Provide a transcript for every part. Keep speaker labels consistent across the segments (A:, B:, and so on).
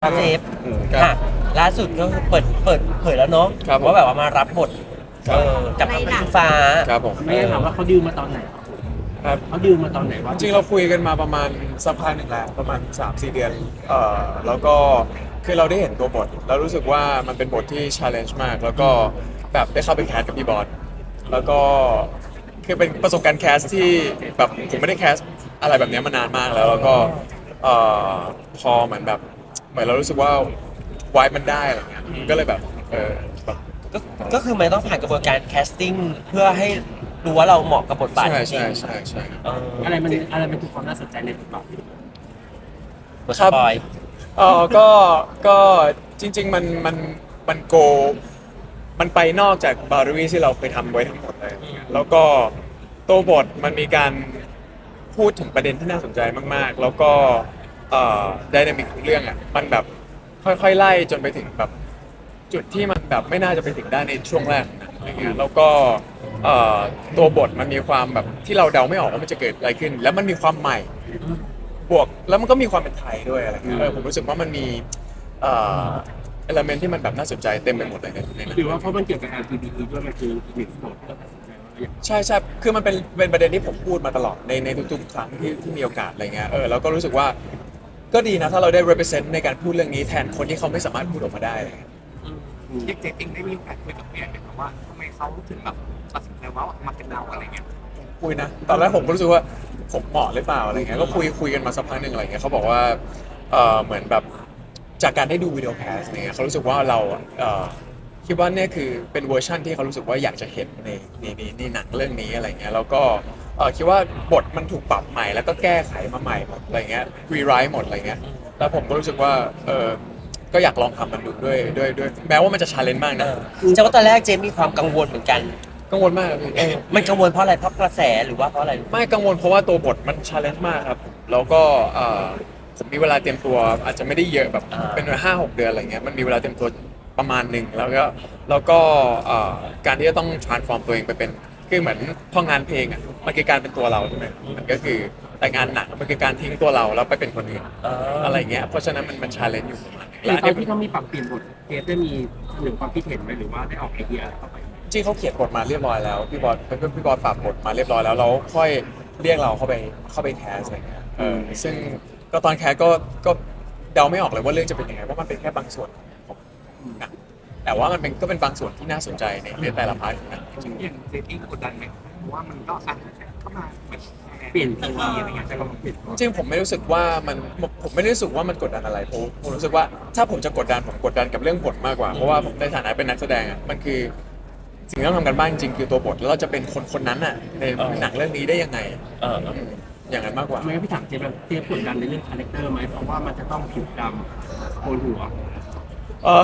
A: เซฟ
B: ครับ
A: ค่ะล่าสุดก็คือเปิดเผยแล้วเนาะ
B: ครับผม
A: ว่าแบบว่ามารับบท
B: ครับ
A: กับพระอิงฟ้า
B: ครับผม
C: ไม่ได้ถามว่าเขาดิวมาตอนไหนครับผม
B: ครับ
C: เขาดิวมาตอนไหนว่า
B: จริงๆเราคุยกันมาประมาณสักพักหนึ่งแล้วประมาณ 3-4 เดือนแล้วก็คือเราได้เห็นตัวบทแล้วรู้สึกว่ามันเป็นบทที่ challenge มาก แล้วก็แบบได้เข้าไปแคสกับพี่บอสแล้วก็คือเป็นประสบการณ์แคสที่แบบผมไม่ได้แคสอะไรแบบเนี้ยมานานมากแล้วแล้วก็เอ่อพอเหมือนแบบเหมือนเรารู้สึกว่าวายมันได้อะไรเงี้ยก็เลยแบบแบบ
A: ก็ก็คือมันต้องผ่านกระบวนการแคสติ้งเพื่อให้รู้ว่าเราเหมาะกับบทบาท
B: ใช่
A: จริ
B: ใช่
A: ง
B: ใช่ใช่
A: ๆ
C: อะไรมันคือความน่าสนใจในบทบาท
A: บทสปอย
B: ก็จริงๆมันโกมันไปนอกจากบาร์รี่ที่เราเคยทำไว้ทั้งหมดเลยแล้วก็ตัวบทมันมีการพูดถึงประเด็นที่น่าสนใจมากๆ แล้วก็ไดนามิกของเรื่องอ่ะมันแบบค่อยๆไล่จนไปถึงแบบจุดที่มันแบบไม่น่าจะไปถึงได้ในช่วงแรกนะอะไรเงี้ยแล้วก็ตัวบทมันมีความแบบที่เราเดาไม่ออกว่ามันจะเกิดอะไรขึ้น แล้วมันมีความใหม่ บวกแล้วมันก็มีความเป็นไทยด้วยอะไรเงี้ยผมรู้สึกว่ามันมีเอลเมนที่มันแบบน่าสนใจเต็มไปหมดเลยในนั้น
C: หรือว่าเพราะมันเกี่ยวกับ LGBT ด้วยมันคืออีกหนึ่งบทที่เราตัดสินใจว่าอยาก
B: ใช่ใช่คือมันเป็นประเด็นที่ผมพูดมาตลอดในทุกๆครั้งที่มีโอกาสอะไรเงี้ยแล้วก็รู้สึกว่าก็ดีนะถ้าเราได้ represent ในการพูดเรื่องนี้แทนคนที่เขาไม่สามารถพูดออกมาได้อะไรเงี้ย
D: เด็กเจเองได้มีโอกาสคุยกับเมียไหมครับว่าทำไมเขาถึงแบบตัดสินใจว่ามาเป็นเราอะไรเงี้ย
B: คุยนะตอนแรกผมก็รู้สึกว่าผมเหมาะหรือเปล่าอะไรเงี้ยก็คุยกันมาสักพักหนึ่งอะไรเงี้ยเขาบอกว่าเหมือนแบบจากการได้ดูวิดีโอแคสเนี่ยเขารู้สึกว่าเราคิดว่าเนี่ยคือเป็นเวอร์ชั่นที่เขารู้สึกว่าอยากจะเห็นในหนังเรื่องนี้อะไรเงี้ยแล้วก็คิดว่าบทมันถูกปรับใหม่แล้วก็แก้ไขมาใหม่หมดอะไรเงี้ยรีไรต์หมดอะไรเงี้ยแล้วผมก็รู้สึกว่าก็อยากลองทำมันดูด้วยแม้ว่ามันจะชาเลนจ์มากนะ
A: ใช่ว่าตอนแรกเจมมีความกังวลเหมือนกัน
B: กังวลมากเลยพี่
A: มันกังวลเพราะอะไรเพราะกระแสหรือว่าเพราะอะไร
B: ไม่กังวลเพราะว่าตัวบทมันชาเลนจ์มากครับ แล้วก็ผมมีเวลาเตรียมตัวอาจจะไม่ได้เยอะแบบเป็น5-6 เดือนอะไรเงี้ยมันมีเวลาเตรียมตัวประมาณหนึ่งแล้วก็การที่จะต้อง transform ตัวเองไปเป็นคือเหมือนพองานเพลงอ่ะมันคือการเป็นตัวเราใช่ไหมมันก็คือแต่งานหนังมันคือการทิ้งตัวเราแล้วไปเป็นคนอื่นอะไรเงี้ยเพราะฉะนั้นมันชาเลนจ์อยู่ประมาณนึง
C: หรือ
B: และ
C: ต
B: อั
C: อน น
B: นี้
C: ที่เขามีปรับเปลี่ยนบทเกสได้มีเสนอความคิดเห็นไหมหรือว่าได้ออกไอเดียเข้าไปไหม
B: จริงเขาเขียนบทมาเรียบร้อยแล้วพี่บอสฝากบทมาเรียบร้อยแล้วเราค่อยเรียกเราเข้าไปแคสอะไรเงี้ยซึ่งก็ตอนแคสก็เดาไม่ออกเลยว่าเรื่องจะเป็นยังไงเพราะมันเป็นแค่บางส่วนของหนังแต่ว่ามันก็เป็นบางส่วนที่น่าสนใจในแต่ละพาร์ทของหนังจริง
D: อย่างเจเองกดดันไหมเพราะว่ามันก็อ่ะเข้ามาเหมือน
C: เปลี่ยน
D: ที
C: ตัว
D: อะไรเงี้ยแต่ก็เปลี่ยน
B: ๆจริงๆผมไม่รู้สึกว่าผมไม่ได้รู้สึกว่ามันกดดันอะไรผมรู้สึกว่าถ้าผมจะกดดันผมกดดันกับเรื่องบทมากกว่าเพราะว่าผมในฐานะเป็นนักแสดงอ่ะมันคือสิ่งที่ต้องทำกันบ้างจริงๆคือตัวบทแล้วเราจะเป็นคนนั้นน่ะในหนังเรื่องนี้ได้ยังไง อย่างนั้นมากกว่า
C: ทำไมพี่ถามเจแบบเจกดดันในเรื่องคาแรคเตอร์ไหมเพราะว่ามันจะต้องผิวดำโกนหัว
B: เออ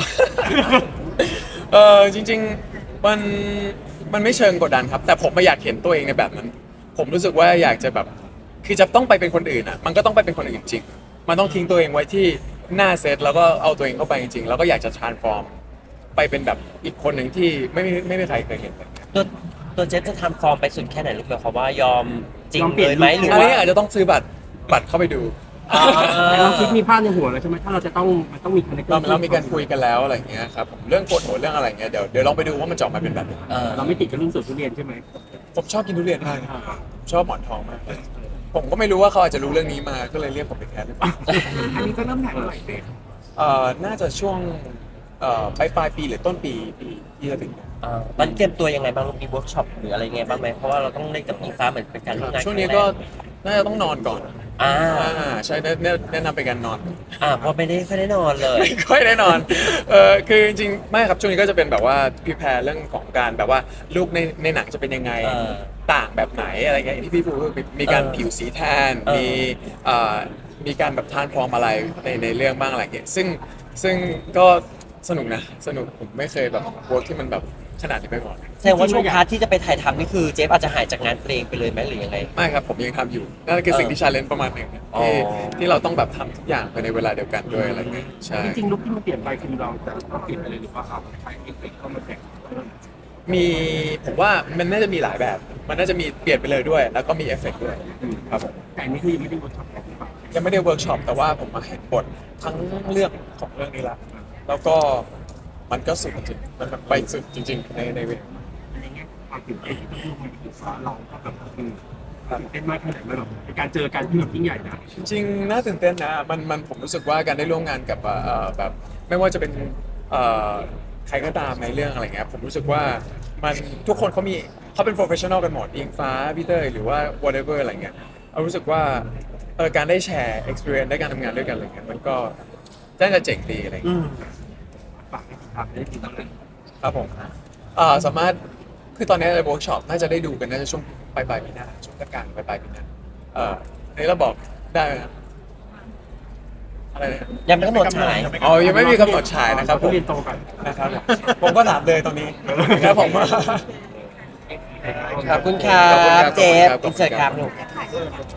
B: จริงๆมันไม่เชิงกดดันครับ แต่ผมไม่อยากเห็นตัวเองในแบบนั้น ผมรู้สึกว่าอยากจะแบบคือจะต้องไปเป็นคนอื่นอ่ะมันก็ต้องไปเป็นคนอื่นจริงมันต้องทิ้งตัวเองไว้ที่หน้าเซตแล้วก็เอาตัวเองเข้าไปจริงๆแล้วก็อยากจะ transform ไปเป็นแบบอีกคนหนึ่งที่ไม่มีใครเคยเห็นเลย
A: ตัวเจมจะทำฟอร์มไปสุดแค่ไหนลูกหมายความว่ายอมจริง
C: ยอมเปลี่
A: เลย ย
C: น
A: ไหมหรือ
B: อัน
A: ว่า
B: นี้อาจจะต้องซื้อบัตรเข้าไปดู
A: อ่า
C: แต่เราคิดมีภาพในหัวแล้วใช่ไหมถ้าเราจะต้องมันต้องมีคาแรคเตอร์
B: เรามีการคุยกันแล้วอะไรอย่างเงี้ยครับผมเรื่องกฎหัวเรื่องอะไรอย่างเงี้ยเดี๋ยวลองไปดูว่ามันจะออกมาเป็นแบบไหน
C: เราไม่ติดกับเรื่องสวนทุเรียนใช่ไหม
B: ผมชอบกินทุเรียนมากนะครับชอบหมอนทองมากเลยผมก็ไม่รู้ว่าเขาอาจจะรู้เรื่องนี้มาก็เลยเรียกผมไปแคสหรือเปล่า
D: อันนี้ก็เริ่มถ่ายเมื่อไหร่เจ
B: น่าจะช่วงปลายปีหรือต้นปีที่จะถึงเนี่ย
A: ตอนนเตรียมตัวยังไงบ้างลูกมีเวิร์กช็อปหรืออะไรไงบ้างไหมเพราะว่าเราต้องเล่นกับอิงฟ้าเหมือนเป็นการร่วมงาน
B: ช่วงนี้ก็น่าจะต้องนอนก่อน
A: อ่า
B: ใช่แนะนำเป็นการนอน
A: เพราะไม่ได้ค่อยได้นอนเลย
B: ไม่ค่อยได้นอนคือจริงๆไม่ครับช่วงนี้ก็จะเป็นแบบว่าพิแพร์เรื่องของการแบบว่าลูกในหนังจะเป็นยังไง ต่างแบบไหนอะไรเงี้ยอย่างที่พี่พูดมีการผิวสีแทนมีการแบบทานฟอร์มอะไรในเรื่องบ้างอะไรเงี้ยซึ่งก็สนุกนะสนุกผมไม่เคยแบบเวิร์กที่มันแบบขนาดนี้ไปก่อน
A: แสดงว่าช่วงพาร์ทที่จะไปถ่ายทำนี่คือเจฟอาจจะหายจากงานเพลงไปเลยไหมหรือยังไง
B: ไม่ครับผมยังทำอยู่นั่นคือสิ่งที่ชาเลนจ์ประมาณหนึ่ง
A: อ๋อ
B: ที่เราต้องแบบทำทุกอย่างภายในเวลาเดียวกันด้วยอะไรเงี้ยใช่
C: จริงๆลุคที่มันเปลี่ยนไปคือเราจะต้องเปลี่ยนไปเลยหรือว่าเอาใช้เอฟเฟกต์เข้ามาแต่ง
B: มีผมว่ามันน่าจะมีหลายแบบ มันน่าจะมีเปลี่ยนไปเลยด้วย แล้วก็มีเอฟเฟกต์ด้วยครับผม
C: แต่อันนี้คือยังไม่ได้บทช็อตแค่ที่ปรับแค่
B: ยังไม่ได้เวิร์กช็อปแต่ว่าผมมาเห็นบททั้งเรื่องของเรื่องนี้ละแล้วก็มันก็สุดจริงๆมันแบบไปสุดจริงๆในเวท
C: ในแง่ความตื่นเต้นที่ต้องร่วมงานกับเราก็แบบตื่นเต้นมากขนาดไหนแบบเป็นการเจอกันที่แบบยิ่งใหญ่นะ
B: จริงๆน่าตื่นเต้นนะมันผมรู้สึกว่าการได้ร่วมงานกับแบบไม่ว่าจะเป็นใครก็ตามในเรื่องอะไรเงี้ยผมรู้สึกว่ามันทุกคนเขาเป็น professional กันหมดอิงฟ้าพี่เต้ยหรือว่า whatever อะไรเงี้ยเรารู้สึกว่าการได้แชร์ experience ได้การทำงานด้วยกันอะไรเงี้ยมันก็น่าจะเจ๋งดีอะไร
A: อื
B: เงี้ย
A: ม
C: ฝากให้ติดตามได้ติดตามเลย
B: ครับผมสามารถคือตอนนี้ในเวิร์กช็อปน่าจะได้ดูกันน่าจะช่วงปลายปีหน้าช่วงกลางๆปลายปีหน้าอันนี้เราบอกได้ไหมครับอะไรเนี่ย
A: ยังไม่กำหนดฉาย
B: อ๋อยังไม่มีกำหนดฉายนะครับผม
C: เรียนโตกัน
B: นะครับผมก็ถามเลยตอนนี้ครับผม
A: ขอบคุณครั
B: ขอบคุณครับ บ
A: เจฟ
B: ขอบคุณครับ
A: อินเสิร์ตครับลูก